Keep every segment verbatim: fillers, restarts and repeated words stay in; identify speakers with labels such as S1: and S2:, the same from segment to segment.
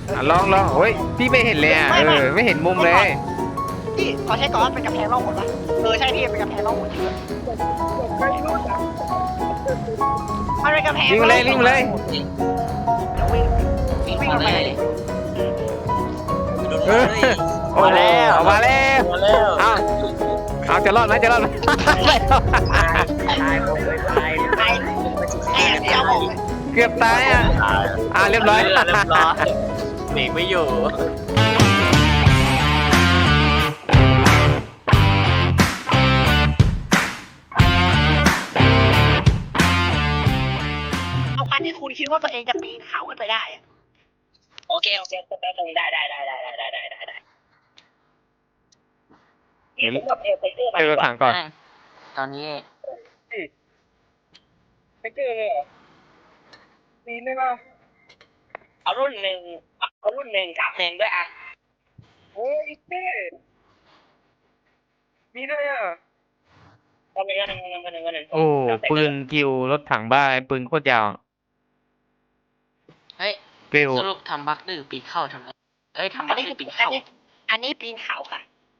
S1: อ่ะลองลองโอ้ยพี่ไม่เห็นเลยอ่ะเออไม่เห็นมุมเลย
S2: พี่ขอใช้ก่อนเป็นกำแพงร่องหนปะเออใช่พี่เป็นกำแพงร่องหนจริงด้วยมันเป็นกำแพง
S1: วิ่งมาเลยวิ่งมาเลย
S2: เดี๋ยววิ่ง
S3: วิ่ง
S2: วิ่ง
S3: มา
S2: ลง
S3: เล
S2: ไป
S3: ย
S2: เลย
S1: เออโอ้โหเอามาแล้ว
S3: มาแล้ว
S1: เอาเอาจะรอดไหมจะรอดไหมไม่รอด
S3: ตายตายผมเลยตาย
S2: ไอ้ไอ้อย่างเดียวบอกเลย
S1: เกือบตายอ่ะอ่าเรียบร้อย
S3: เรียบร้อยเบรกไม่อยู่
S2: เอาคันที่คุณคิดว่าตัวเองจะปีนเขาขึ้นไปได้อะ
S3: โอเคโอเคแป๊บนึงได้ได้ได้ได้ได้ได้ได้ได้
S1: เดี๋ยว
S3: กับเอลไปเตอร์มา
S1: เจอถังก่อน
S3: ตอนนี้
S2: ไปเจอปีนได้ป่ะ
S3: เอารุ่นหนึ่งเอารุ่นหนึ่งกับหนึ่งด้วยอ่ะ
S2: โอ้ยเต้ปีนได้อ่ะ
S3: ก็หนึ่งก็หนึ่งก็หนึ่งก็หนึ่ง
S1: โอ้ปืนกิวรถถังบ้าปืนโคตรยาว
S4: เฮ้ย
S1: กิว
S4: สรุปทำบักดื้อปีนเข้าทำไมเอ้ยทำ
S2: อั
S4: บั
S2: น
S4: ก
S2: นี้
S4: ดื้
S2: คือ อ
S4: ปีน
S2: อัน
S4: เข้า
S2: นี้อันนี้ปีนเขาค่ะ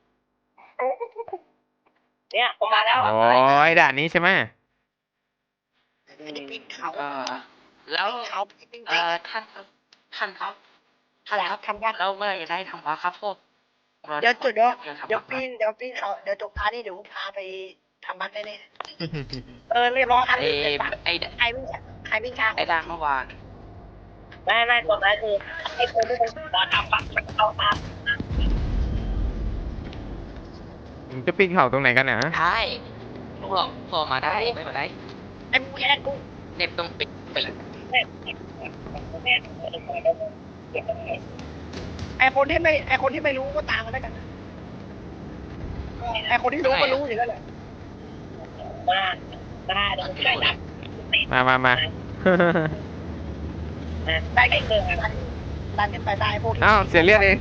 S3: เนี่ยผมมาแล้ว
S1: โอ้ยด่านนี้ใช่ไหม
S2: อันนี้ปีนเขา
S4: เออแล้ว
S2: เขาปีน
S4: เออท่านครับท่านครับ
S2: อะไรครับทำยาก
S4: เราเมื่อไหร่จะได้ทำบักครับพวกรา
S2: เดี๋ยวจุดเดี๋ยว
S4: อยากทำ
S2: เดี๋ยว
S4: บัค
S2: ปีนเดี๋ยวปีนเขาเดี๋ยวจบพาร์ทนี้เดี๋ยวพาไปทำบัตรได้เลยเออเรียบร้อยครับ
S4: ไอ้ไอ้
S2: ใครวิ่งใครวิ่งช้า
S4: ไอ้ด่านเมื่อวาน
S3: ไม่ไม่ตอนนั้นคือไอ้คนที่เป็นตอนทำปักเอาตาม
S1: จะปีนเขาตรงไหนกันเนี่ย
S4: ได้พวกพวกมาได้ไม่มาได้
S2: ไอ้กูแค่กู
S4: เน็บตรงปิดปิด
S2: ไอ้คนที่ไม่ไอ้คนที่ไม่รู้ก็ตามมาแล้วกันไอ้คนที่รู้ก็รู้อยู่แล้วแหละ
S3: มามาเดี๋ยวผมได้ดับ
S1: มามามา
S2: ได้แค่เดินดันกันไปได้พวก
S1: อ้าวเสียเลือดเอง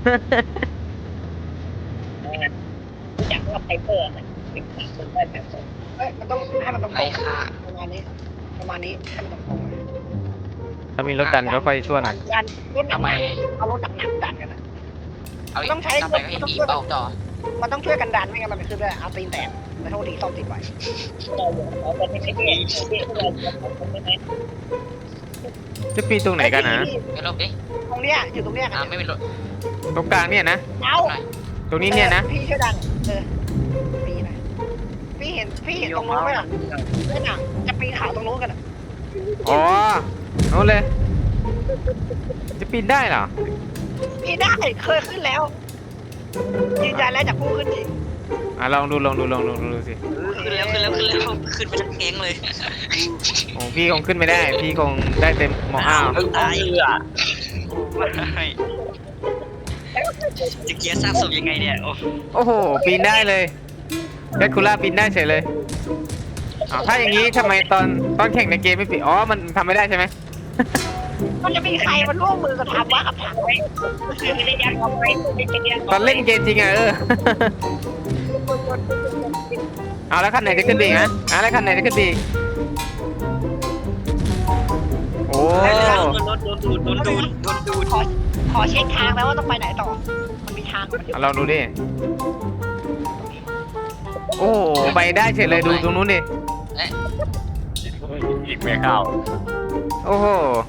S3: รู้จักว่าไพเปอร์ไหมเป็นคนได้แบบ
S2: เอ้ยมันต้องให้มันตรง
S4: ไอ้ค่ะ
S2: ประมาณนี้ประมาณนี้ให้มันตรง
S1: ถ้ามีรถดันก็ค่อยส่วน
S2: ดันดันรถหนั
S4: ทำ
S2: ก
S4: ไม
S2: เอารถหนักหนักดันกันนะ
S4: เอาอีก
S2: ต้องใช้
S4: ทำไมก็เห็นอีเป่าต่อ
S2: มันต้องช่วยกันดันไม่งั้นมันไม่ขึ้นด้วยเอาตีนแตกแต่โทษดีซ่อมติดไว้
S3: เราเราเป็นไม่ใช่เด็กเด็กเราเราไม่ไหม
S1: จะปีนตรงไหนกันนะ
S4: ไม่ลบดิ
S2: ตรงเนี้ยอยู่ตรงเนี้ย
S4: อ่าไม่เป็นรถ
S1: ตรงกลางเนี่ยนะ
S2: เอา
S4: หน่อย
S1: ตรงนี้เนี่ยนะ
S2: พี่ช่วยดันเออปีหน่อยพี่เห็นพี่เห็นตรงนู้นไหมล่ะเล่นหนังจะปีนเขาตรงนู้นกันอ่ะ
S1: อ๋อโน้นเลย จะปีนได้เหรอ
S2: ปีนได้เคยขึ้นแล้วยืนยันแล้วจากผู้ขึ้นจริง
S1: อ่ะลองดูลองดูลองดูดูสิ
S4: ขึ้นแล้วขึ้นแล้วขึ้นแล้วขึ้นไปทั้งแก๊งเลย
S1: โอ้พี่คงขึ้นไม่ได้ พี่คงได้เต็มหมออ้าว
S3: ตายเรือ
S4: จะเกียร์สร้างศพยังไงเนี่ยโอ้
S1: โอ้โหปีนได้เลยแคทคูล่าปีนได้เฉยเลยอ้าวถ้าอย่างนี้ทำไมตอนตอนแข่งในเกมไม่ปีนอ๋อมันทำไม่ได้ใช่ไหม
S2: มันจะมีใครมันร่วมมือกันทำวะกับถังไว้
S3: คือไม่ได้ยัดเอาไว้ไม่ได้ยัด
S1: ตอนเล่นเกมจริงอะเออ เอาแล้วคันไหนจะขึ้นดีนะเอาแล้วคันไหนจะขึ้นดีโอ้
S3: โดนโดนดูดโดนดูดโดนดูด
S2: ขอขอเช็คทางแล้วว่าต้องไปไหนต่อ มันมีทางมันอยู่
S1: เอาลองดูดิโอ้โหไปได้เฉยเลยดูตรงนู้นดิ
S3: อีกไม่เข้า
S1: โอ้โห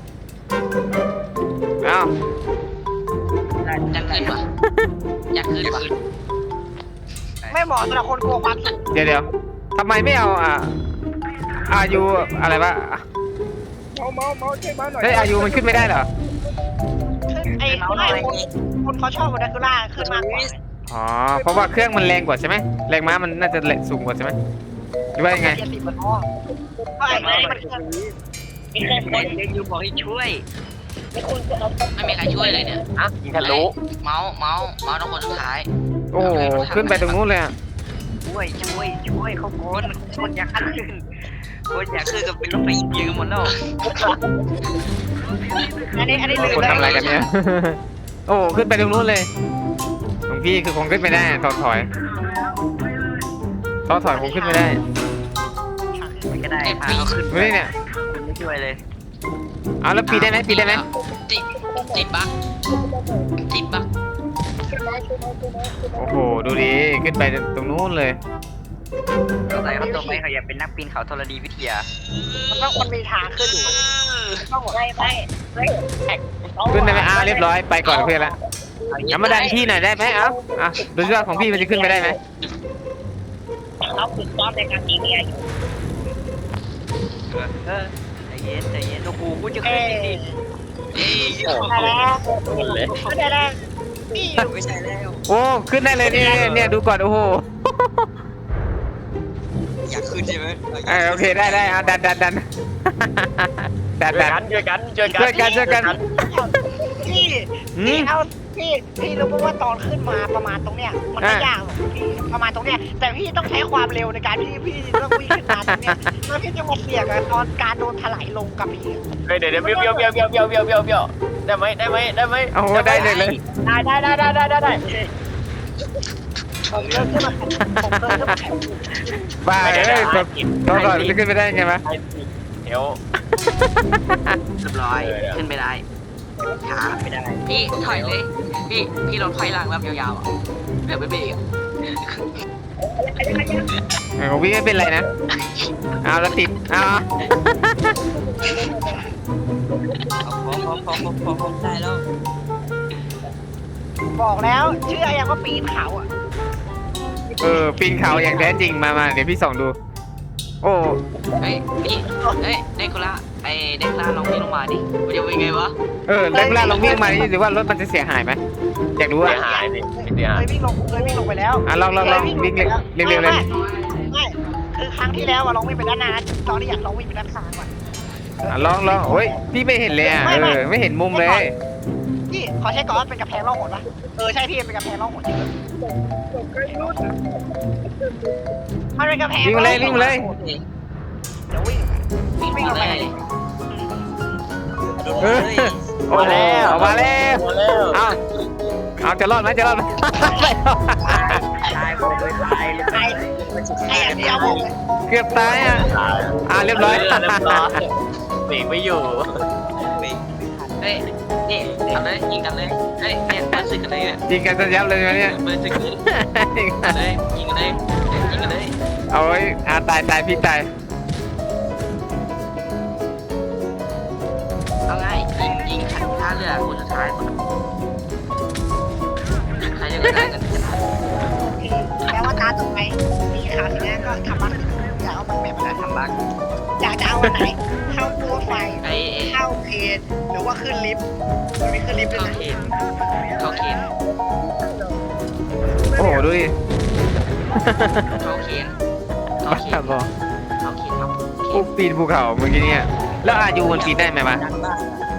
S1: เอา
S4: อยากขึ้นวะอยากขึ้นวะ
S2: ไม่เหมาะสำหรับคนกลัวความสูง
S1: เดี๋ยวเดี๋ยวทำไมไม่เอาอ่ะอายุอะไรวะ
S2: เมาเมาเมาช่วยเมาหน่อย
S1: เฮ้ยอายุมันขึ้นไม่ได้เหรอ
S2: ขึ้นไอ้ไม่คนคนเขาชอบโมเดลล่าขึ้นมากกว่า
S1: อ๋อเพราะว่าเครื่องมันแรงกว่าใช่ไหมแรงม้ามันน่าจะสูงกว่าใช่ไหมหรือว่ายังไง
S2: เจ็ดสิบมันอ้อเพราะไอ้ไอ้มันเครื่อง
S3: มีแค่คนเด็กอยู่บอกให้ช่วยไม่คุณจะเอา
S4: ไม่มีใครช่วยเลยเนี่ย
S3: อ่ะยิงทะลุ
S4: เมาส์เมาส์เมาส์ต้องคนสุดท้าย
S1: โอ้โหขึ้นไปตรงนู้นเลยอ่ะ
S3: ช่วยช่วยช่วยเขาโกนคนอยากขึ้นคนอยากขึ้นกับเป็นรถไฟยืมหมดแล้ว
S2: อันนี้อันนี้ลืม
S1: คนทำอะไรกันเนี่ย โอ้โหขึ้นไปตรงนู้นเลยหลวงพี่คือคงขึ้นไม่ได้ถอยถอยถอยถอยคงขึ้นไม่ได้
S3: มันก็ได้พาเขาขึ้น
S1: ดูนี่เนี่ย
S3: คุณไม่ช่วยเลย
S1: เอาแล้วปีนได้ไหมปีนได้ไหม
S4: ติดติดบัก
S1: โอ้โหดูดิขึ้นไปตรงนู้นเลย
S3: เราใส่เขาตัวไปเขาอยากเป็นนักปีนเขาธรณีวิทยา
S2: มันต้องมันมีทางขึ้นอยู่ต้องไม่ไม่ไม่แท็ก
S1: ขึ้นได้ไหมอ้าวเรียบร้อยไปก่อนเพื่อนละเอามาดันพี่หน่อยได้ไหมเอ้าอ่ะดูสิว่าของพี่มันจะขึ้นไปได้ไหม
S2: เราฝึกซ้อมในการยิงเนี่ยอยู่
S3: เออใจเย็นใจเย็นโอ้โหกูจะขึ้นจริงๆนี่
S2: ได้แล้วได้แล้วนี่
S3: ไม่ใช่แล้ว
S1: โอ้ขึ้นได้เลยเนี่ยเนี่ยดูก่อนโอ้โห
S3: อยากขึ้นใช่ไหม
S1: เออโอเคได้ได้เอาดันดันดันดัน
S5: ช่วย
S1: ดัน
S5: กันช่วยกันช่วยกัน
S1: ช่วยกันช่วยกัน
S2: พี่
S1: อืม
S2: พี่เอาพี่พี่รู้ป่ะว่าตอนขึ้นมาประมาณตรงเนี้ยมันไม่ยากหรอกพี่ประมาณตรงเนี้ยแต่พี่ต้องใช้ความเร็วในการที่พี่ต้องวิ่งขึ้นมาตรงเนี้ยแล้วพี่จะมาเสี่ยงกับตอนการโดนถลายลงกับพี่
S5: เฮ้ยเดี๋ยวเดี๋ยวเบี้ยวเบี้ยวเบี้ยวเบี้ยวเบี้ยวเบี้ยวเบี้ยวเบี้ยวได้ไหมได้ไหมได้ไหม
S1: โอ้โหได้เลยเลย
S2: ได้ได้ได้ได้ได้ได้ได้ผมเริ่มขึ้นมาผมเริ่มขึ้นมา
S1: บ้าเอ้ยแบบตัวก่อนจะขึ้นไปได้ไงวะ
S5: เดี๋ยว
S4: เรียบร้อยขึ้นไปได้ขา
S3: ไม่ได้
S4: พี่ถอยเลยพี่พี่ลงถอยหลังแบบยาวๆอ่ะแบบไม่เบรกอ่ะ
S1: เออวิ่งไม่เป็นไรนะเอาแล้วติดเอา
S3: พร้อมพร้อมพร้อมพร้อมพร้อมพร้อมได้แล้ว
S2: บอกแล้วเชื่อยังว่าปีนเขาอ่ะ
S1: เออปีนเขาอย่างแท้จริงมามาเดี๋ยวพี่ส่องดู โอ้
S4: เฮ้ยพี่เฮ้ยเด็กคนละไอเด็กคนละลองพี่ลงมาดิมันจะเป็นไงวะ
S1: เออแล้วเวลาลองวิ่งมานี่หรือว่ารถมันจะเสียหายไหมอยากรู้
S5: เสี
S1: อ่ะ
S5: ยหายสิเสีย
S2: เค
S5: หาย
S2: ยวิ่งลงเคยวิ่งลงไปแล้ว
S1: อ่ะลองลองลองวิ่งเร็วเร็วเร็วเลย
S2: ไม่คือครั้งที่แล้วอะลองวิ่งไปด้านหน้าตอนนี้อยากลองวิ่งไปด้านข้างก่อน
S1: อ่ะลองลองโอ้ยพี่ไม่เห็นเลยอ่ะเออไม่เห็นมุมเลย
S2: พี่ขอใช้ก่อนเป็นกระแพงล่องหนปะเออใช่พี่เป็นกระแพงล่องหนจริงมันเป็นกระแพง
S1: วิ่งมาเลยวิ่งมาเลย
S2: เดี๋ยววิ่ง
S4: วิ่ง
S2: วิ่งล
S4: มาง
S2: ไป
S4: เลย
S3: โดน
S1: เอ
S3: เล
S1: อย โอ้โหเอามาแล้ว
S5: มาแล้ว
S1: เอาเอาจะรอดไหมจะรอดไหม
S3: ตายผมเลยตายเลย
S2: ไอ้ไอ้อย่างเดียวผมเลย
S1: เกือบตายอ่ะอ่าเรียบร้อย
S5: เรียบร้อยเบรกไม่อยู่
S4: เฮ้ยนี่ทำเลยยิงกันเลยเฮ้ยเนี่ยเปิดศึกกันเลยเนี่ย
S1: ยิงกันจนยับเลยไหมเนี่ย
S4: เปิดศึกกันเลยยิงกันเลยยิงกันเลย
S1: เอาไว้อาตายตายพี่ตาย
S4: เอาไงยิงยิงท่าเรือคนสุดท้ายใครจะได้กันชนะ
S2: แล้วว่าตาต่อไปมีข่าวทีนี้ก็ทำบัคอยากเอามันแบบไหน
S3: ทำบัก
S2: อยากจะเอาวันไหนเข้าตัวไฟ
S4: ไอ้
S2: เข้าเพจหรือว่าขึ้นลิฟต์มันมีขึ้นลิฟต์ด้วย
S4: เขา
S2: นะ
S4: เข็นเขาเข็น
S1: โอ้โหดูดิ
S4: เขาเข็นเขา
S1: บ้า
S4: เข็น
S1: บอ
S4: เขาเข็นครับ
S1: ปุ๊บปีนภูเขาเมื่อกี้เนี่ยแล้วอายุมันปีนได้ไหมวะ
S3: ดังบ้าง